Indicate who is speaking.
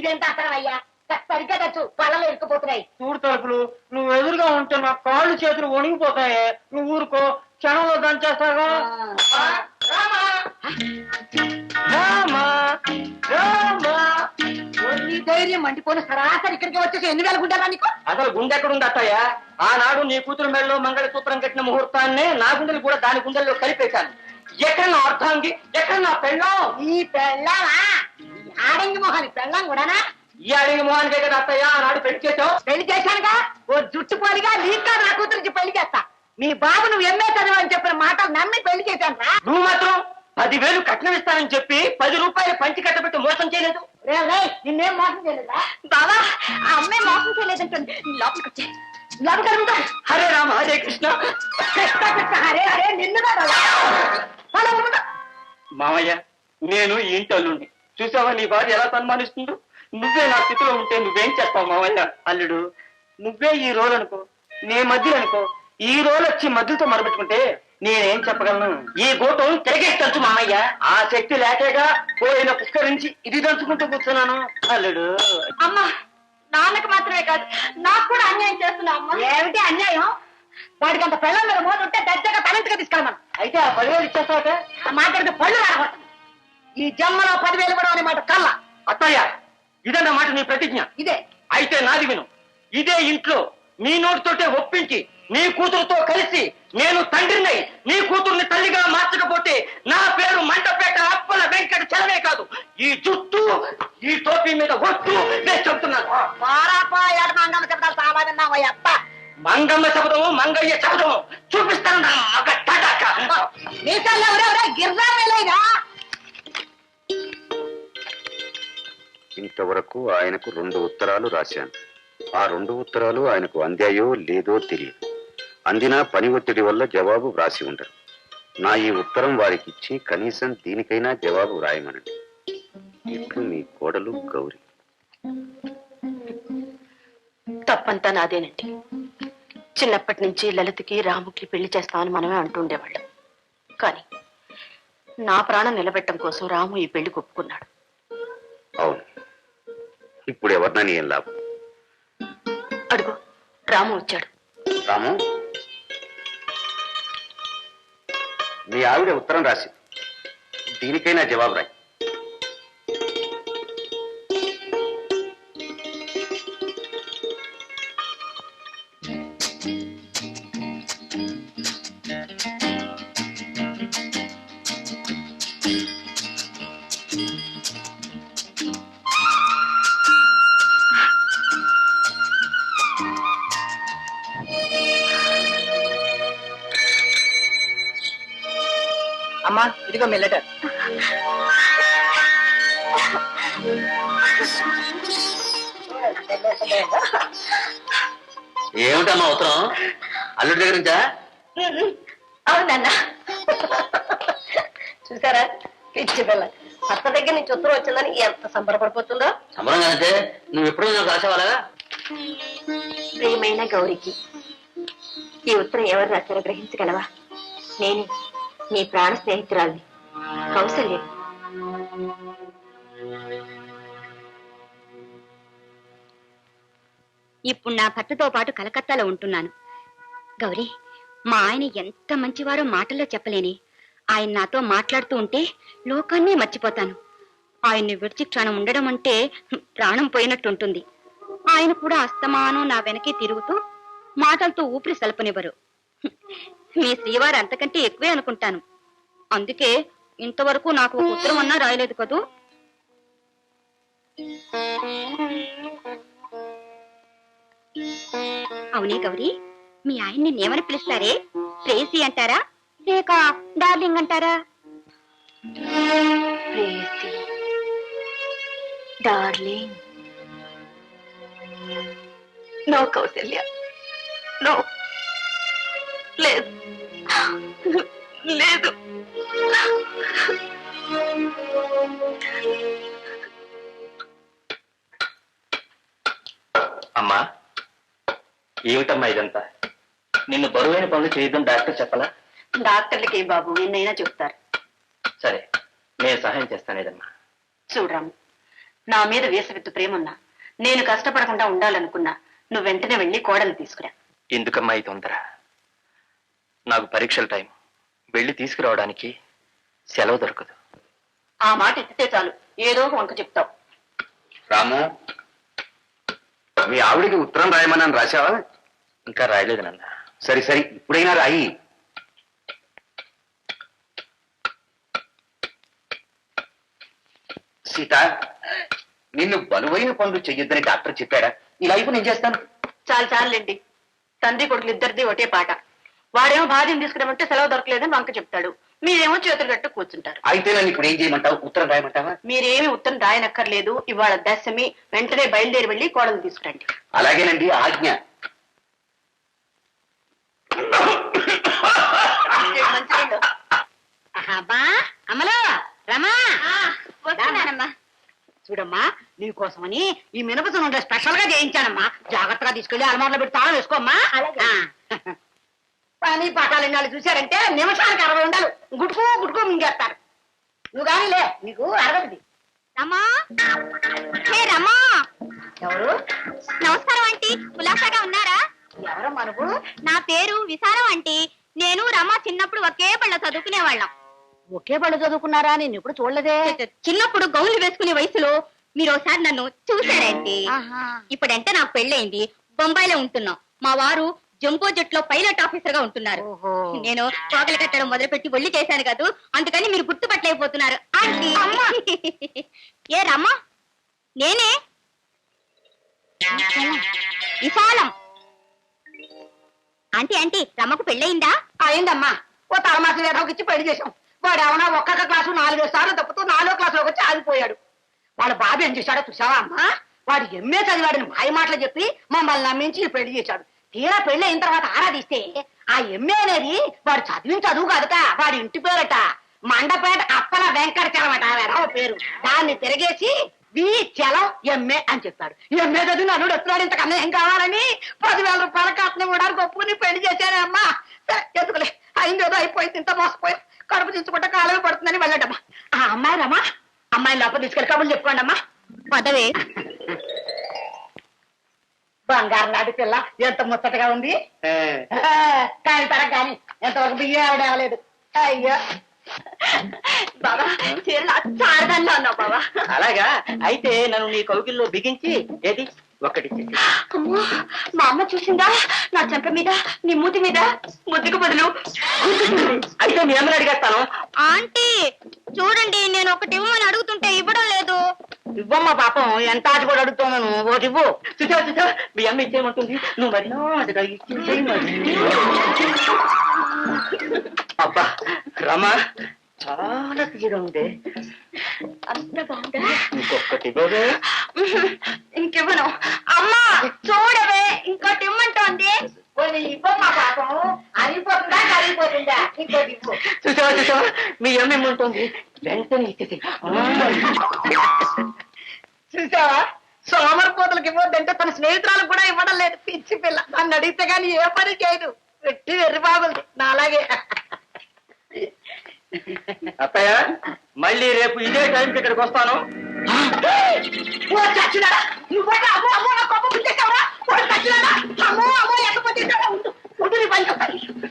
Speaker 1: ఇదేంత అసలయ్యా సరిగ్గా తెచ్చు పళ్ళలో ఇరుక్కుపోతున్నాయి.
Speaker 2: చూడు తలుపులు, నువ్వు ఎదురుగా ఉంటే నా కాళ్ళు చేతులు వణిగిపోతాయి. నువ్వు ఊరుకో, క్షణంలో దంచేస్తాగా.
Speaker 1: నీ ధైర్యం మండిపోయిన సరాసరి ఇక్కడికి వచ్చేసి 8,000 గుండెలా నీకు?
Speaker 2: అసలు గుండె ఎక్కడుంది అత్తయ్య? ఆనాడు నీ కూతురు మెడలో మంగళసూత్రం కట్టిన ముహూర్తాన్నే నా గుండెలు కూడా దాని గుండెల్లో కలిపేశాను. ఎక్కడ నా అర్థాంగి, ఎక్కడ నా పెళ్ళం?
Speaker 1: ఈ పెళ్ళామా? ఆడంగి మొహాని పెళ్ళం కూడానా?
Speaker 2: ఈ అడిగి మొహానికే కదా అత్తయ్య ఆనాడు పెళ్లి చేసావు.
Speaker 1: పెళ్లి చేశానుగా, ఓ జుట్టు పోలిగా నీకా నా కూతురికి పెళ్లి చేస్తా. మీ బాబు నువ్వు ఎంఏ చదువు అని చెప్పిన మాటలు నమ్మి పెళ్లి చేశాను రా.
Speaker 2: నువ్వు మాత్రం 10,000 కట్నం ఇస్తానని చెప్పి 10 రూపాయలు పంచి కట్టబెట్టి మోసం చేయలేదు.
Speaker 1: నిన్నేం మోసం చేయలేదా?
Speaker 3: బావా ఆ అమ్మాయి మోసం చేయలేదంటుంది. లోపలికి వచ్చే
Speaker 1: లోపల
Speaker 2: హరే రామ హరే కృష్ణ.
Speaker 1: హరే హరే నిన్నుగా
Speaker 2: మామయ్య, నేను ఈ ఇంటి అల్లుండి. చూసావా నీ భార్య ఎలా సన్మానిస్తుందో? నువ్వే నా స్థితిలో ఉంటే నువ్వేం చేస్తావు మామయ్య? అల్లుడు, నువ్వే ఈ రోల్ అనుకో, నీ మధ్యలో అనుకో. ఈ రోల్ వచ్చి మధ్యతో మరపెట్టుకుంటే నేనేం చెప్పగలను? ఈ గోటం తిరగేసి తంచు మామయ్య. ఆ శక్తి లేకేగా పోయిన పుష్కరించి ఇది దంచుకుంటూ కూర్చున్నాను. అల్లుడు,
Speaker 3: అమ్మా నాన్నకు మాత్రమే కాదు నాకు కూడా అన్యాయం చేస్తున్నావు అమ్మా.
Speaker 1: ఏమిటి అన్యాయం? వాడికి అంత పెళ్ళం మీద మోసం ఉంటే దర్జాగా తలెంతగా తీసుకెళ్ళమను.
Speaker 2: అయితే ఆ 10,000 ఇచ్చేస్తావట?
Speaker 1: మాట్లాడితే పళ్ళు రాకూడదు. ఈ జన్మలో 10,000 ఇవ్వడం అనే మాట కల్లా.
Speaker 2: అత్తయ్య, ఇదన్నమాట నీ ప్రతిజ్ఞ?
Speaker 1: ఇదే.
Speaker 2: అయితే నాది విను. ఇదే ఇంట్లో నీ నోటితోటే ఒప్పించి నీ కూతురుతో కలిసి నేను తండ్రినై నీ కూతుర్ని తల్లిగా మార్చకపోతే నా పేరు మంటపేట అప్పల వెంకట చలమే కాదు, ఈ జుట్టు ఈ టోపీ మీద ఒట్టు నేను చెప్తున్నాను.
Speaker 1: మంగమ్మ శబ్దాలు చాలా విన్నావు అప్ప.
Speaker 2: మంగమ్మ శబ్దము మంగయ్య శబ్దము చూపిస్తాను నా మగ తడాక.
Speaker 1: మీసాల్లో ఎవరెవరే గిర్రా వేలేగా.
Speaker 4: ఇంతవరకు ఆయనకు 2 ఉత్తరాలు రాశాను. ఆ 2 ఉత్తరాలు ఆయనకు అందాయో లేదో తెలియదు. అందినా పని ఒత్తిడి వల్ల జవాబు వ్రాసి ఉండరు. నా ఈ ఉత్తరం వారికి ఇచ్చి కనీసం దీనికైనా జవాబు వ్రాయమనండి. ఇట్లు మీ కోడలు గౌరి.
Speaker 3: తప్పంతా నాదేనండి. చిన్నప్పటి నుంచి లలితకి రాముకి పెళ్లి చేస్తామని మనమే అంటుండేవాళ్ళం. కానీ నా ప్రాణం నిలబెట్టడం కోసం రాము ఈ పెళ్లి ఒప్పుకున్నాడు.
Speaker 4: అవును, ఇప్పుడు ఎవరినని ఏం లాభం?
Speaker 3: అడుగు, రాము వచ్చాడు.
Speaker 4: రాము, మీ ఆవిడ ఉత్తరం రాసి దీనికైనా జవాబు రాయి.
Speaker 2: అమ్మా, ఇదిగో మీ లెటర్.
Speaker 4: ఏమిటమ్మా ఉత్తరం? అల్లుడి దగ్గర నుంచా?
Speaker 3: అవునన్నా. చూసారా పిచ్చి పిల్ల భర్త దగ్గర నుంచి ఉత్తరం వచ్చిందని ఎంత సంబరపడిపోతుందో.
Speaker 4: సంబరంగానంటే నువ్వు ఎప్పుడు నాకు రాసేవాళ్ళగా?
Speaker 3: ప్రియమైన గౌరికి, ఈ ఉత్తరం ఎవరు రాశారో గ్రహించగలవా? నేనే, నీ ప్రాణ స్నేహితురాల్ని కౌసల్య. ఇప్పుడు నా భర్తతో పాటు కలకత్తాలో ఉంటున్నాను. గౌరీ, మా ఆయన ఎంత మంచివారో మాటల్లో చెప్పలేని. ఆయన నాతో మాట్లాడుతూ ఉంటే లోకాన్నే మర్చిపోతాను. ఆయన్ని విడిచి క్షణం ఉండడం అంటే ప్రాణం పోయినట్టుంటుంది. ఆయన కూడా అస్తమానం నా వెనకే తిరుగుతూ మాటలతో ఊపిరి సలపనివ్వరు. మీ శ్రీవారు అంతకంటే ఎక్కువే అనుకుంటాను. అందుకే ఇంతవరకు నాకు ఒక ఉత్తరం అన్నా రాయలేదు కదూ. అవునే గౌరీ, మీ ఆయన్ని నేమని పిలుస్తారే? ప్రేసి అంటారా లేక డార్లింగ్ అంటారా? ప్రేసి, డార్లింగ్. నో కౌసల్య, నో, లేదు లేదు.
Speaker 2: అమ్మా, ఏమిటమ్మా ఇదంతా? నిన్ను బరువైన పనులు చేయొద్దని డాక్టర్ చెప్పలా?
Speaker 3: డాక్టర్లకి బాబు ఎన్నైనా చెప్తారు.
Speaker 2: సరే, నేను సహాయం చేస్తాను ఏదమ్మా.
Speaker 3: చూడరాము, నా మీద వేసవిత్తు ప్రేమున్నా నేను కష్టపడకుండా ఉండాలనుకున్నా నువ్వు వెంటనే వెళ్ళి కోడలు తీసుకురా.
Speaker 2: ఎందుకమ్మా ఈ తొందర? నాకు పరీక్షల టైం, వెళ్ళి తీసుకురావడానికి సెలవు దొరకదు.
Speaker 3: ఆ మాట ఎత్తితే చాలు ఏదో ఒక వంక చెప్తావు.
Speaker 4: రాము, మీ ఆవిడికి ఉత్తరం రాయమని రాశావా?
Speaker 2: ఇంకా రాయలేదు నాన్న.
Speaker 4: సరి సరి, ఇప్పుడైనా రాయి. సీత, నిన్ను బలువైన పనులు చెయ్యొద్దని డాక్టర్ చెప్పాడా? ఈ లైఫ్ నేను చేస్తాను.
Speaker 3: చాలండి. తండ్రి కొడుకులు ఇద్దరిది ఒకటే పాట. వాడేమో భార్యను తీసుకురామంటే సెలవు దొరకలేదని వంక చెప్తాడు, మీరేమో చేతులు కట్టు కూర్చుంటారు.
Speaker 4: అయితే నన్ను ఇప్పుడు ఏం చేయమంటావు? ఉత్తరం రాయమంటావా?
Speaker 3: మీరేమి ఉత్తరం రాయనక్కర్లేదు. ఇవాళ దశమి, వెంటనే బయలుదేరి వెళ్ళి కోడలు తీసుకురండి.
Speaker 4: అలాగేనండి, ఆజ్ఞ.
Speaker 1: అమలో రమా,
Speaker 3: వస్తున్నానమ్మా.
Speaker 1: చూడమ్మా, నీకోసమని ఈ మినపసు నుండి స్పెషల్ గా చేయించానమ్మా. జాగ్రత్తగా తీసుకెళ్లి అలమార్లో పెట్టి తాళం వేసుకోమ్మా. పని పాఠాలు ఎన్నాళ్ళు చూశారంటే నిమిషానికి 60 ఉండాలి. గుట్టుకో మింగేస్తారు. నువ్వు కానీ లే, నీకు అరగదు.
Speaker 3: రమా, హే రమా.
Speaker 1: ఎవరు?
Speaker 3: నమస్కారం ఆంటీ, కులాసాగా ఉన్నారా?
Speaker 1: ఎవరమ్మా నువ్వు?
Speaker 3: నా పేరు విశాలం ఆంటీ. నేను రమా చిన్నప్పుడు ఒకే బళ్ళ చదువుకునేవాళ్ళం.
Speaker 1: ఒకే బళ్ళు చదువుకున్నారా? నేను ఎప్పుడు చూడలేదే.
Speaker 3: చిన్నప్పుడు గౌన్లు వేసుకునే వయసులో మీరు ఒకసారి నన్ను చూశారండి. ఇప్పుడంటే నాకు పెళ్ళయింది, బొంబాయిలో ఉంటున్నాం. మా వారు జంబో జెట్ లో పైలట్ ఆఫీసర్ గా ఉంటున్నారు. నేను కోకలు కట్టడం మొదలుపెట్టి ఒళ్ళి చేశాను కదా, అందుకని మీరు గుర్తుపట్టలేకపోతున్నారు ఆంటీ. ఏ రమ్మా, నేనే విశాలం. ఆంటీ రమ్మకు పెళ్ళయిందా?
Speaker 1: అయిందమ్మా. ఓ తలమాసి వేదకి ఇచ్చి పెళ్లి చేశాం. వాడు ఏమన్నా ఒక్కొక్క క్లాసు 4 సార్లు తప్పుతూ 4వ క్లాసులోకి వచ్చి ఆగిపోయాడు. వాళ్ళ బాబు ఏం చేశాడో చూసావా అమ్మా? వాడు ఎంఏ చదివాడని మాయ మాటలు చెప్పి మమ్మల్ని నమ్మించి పెళ్లి చేశాడు. తీరా పెళ్లి అయిన తర్వాత ఆరాధిస్తే ఆ ఎంఏ అనేది వాడు చదివిన చదువు కాదట, వాడి ఇంటి పేరట. మండపేట అప్పల వెంకటచలం అట వేరే పేరు. దాన్ని తిరిగేసి చలం ఎంఏ అని చెప్పాడు. ఎంఏ చదివి నన్ను వస్తున్నాడు, ఇంతకన్నా ఏం కావాలని 10,000 రూపాయల కట్నం ఇవ్వడానికి ఒప్పుకుని పెళ్లి చేశానే అమ్మా. ఎందుకులే, అయిందేదో అయిపోయింది, ఇంత మోసపోయి కడుపు దించుకుంటే కాలమే పడుతుందని వెళ్ళడమ్మా. ఆ అమ్మాయి రమ్మా, అమ్మాయిని లోపల తీసుకెళ్ళి కబుర్లు చెప్పుకోండి అమ్మా.
Speaker 3: పదవే.
Speaker 1: బంగారు నాటి పిల్ల ఎంత ముచ్చటగా ఉంది. కాని తర కానీ ఎంతవరకు బియ్యం ఆవిడ అవ్వలేదు. అయ్యో
Speaker 3: బాబా, చీరలు చారదాల్లో ఉన్నావు బాబా.
Speaker 2: అలాగా? అయితే నన్ను నీ కౌగిల్లో బిగించి ఏది ఒక్కటి.
Speaker 3: అమ్మో, మా అమ్మ చూసిందా? నా చెంప మీద, నీ మూతి మీద ముద్దుకు బదులు
Speaker 2: అయితే మీ అమ్మని అడిగేస్తాను.
Speaker 3: ఆంటీ చూడండి, నేను ఒకటి ఇవ్వమని అడుగుతుంటే ఇవ్వడం లేదు.
Speaker 1: ఇవ్వమ్మా పాపం, ఎంత ఆట కూడా అడుగుతున్నాను. ఓటి ఇవ్వు.
Speaker 2: చూసా మీ అమ్మ ఇచ్చేయమంటుంది, నువ్వు మరి నాటగా ఇచ్చేసేయ్ మరి. అబ్బా రమా, చాలా తీయగా ఉంది.
Speaker 3: అంత బాగుందా?
Speaker 2: ఇంకొకటి ఇవ్వవే.
Speaker 3: ఇంకివ్వను. అమ్మా చూడవే, ఇంకోటి ఇమ్మంటోంది.
Speaker 1: ఇవ్వమ్మా పాపం, అరిగిపోతుందా కరిగిపోతుందా? ఇంకోటి ఇవ్వు.
Speaker 2: చూసావా మీ అమ్మ ఏమంటుంది, వెంటనే ఇచ్చేసి.
Speaker 1: చూసావా, సోమరిపోతులకు ఇవ్వద్దంటే తన స్నేహితురాలకు కూడా ఇవ్వడం లేదు. పిచ్చి పిల్ల, నన్ను అడిగితే గానీ ఏ పని చేయదు. పెట్టి వెర్రి బాగుంది నా అలాగే.
Speaker 2: అత్తయ్య, మళ్ళీ రేపు ఇదే టైంకి ఇక్కడికి వస్తాను.
Speaker 1: నువ్వు అమ్మో అమ్మో నా కోపం పుట్టేసావురా. అమ్మో అమ్మో లేకపోతే ఉండు నీ పని చెప్తాను.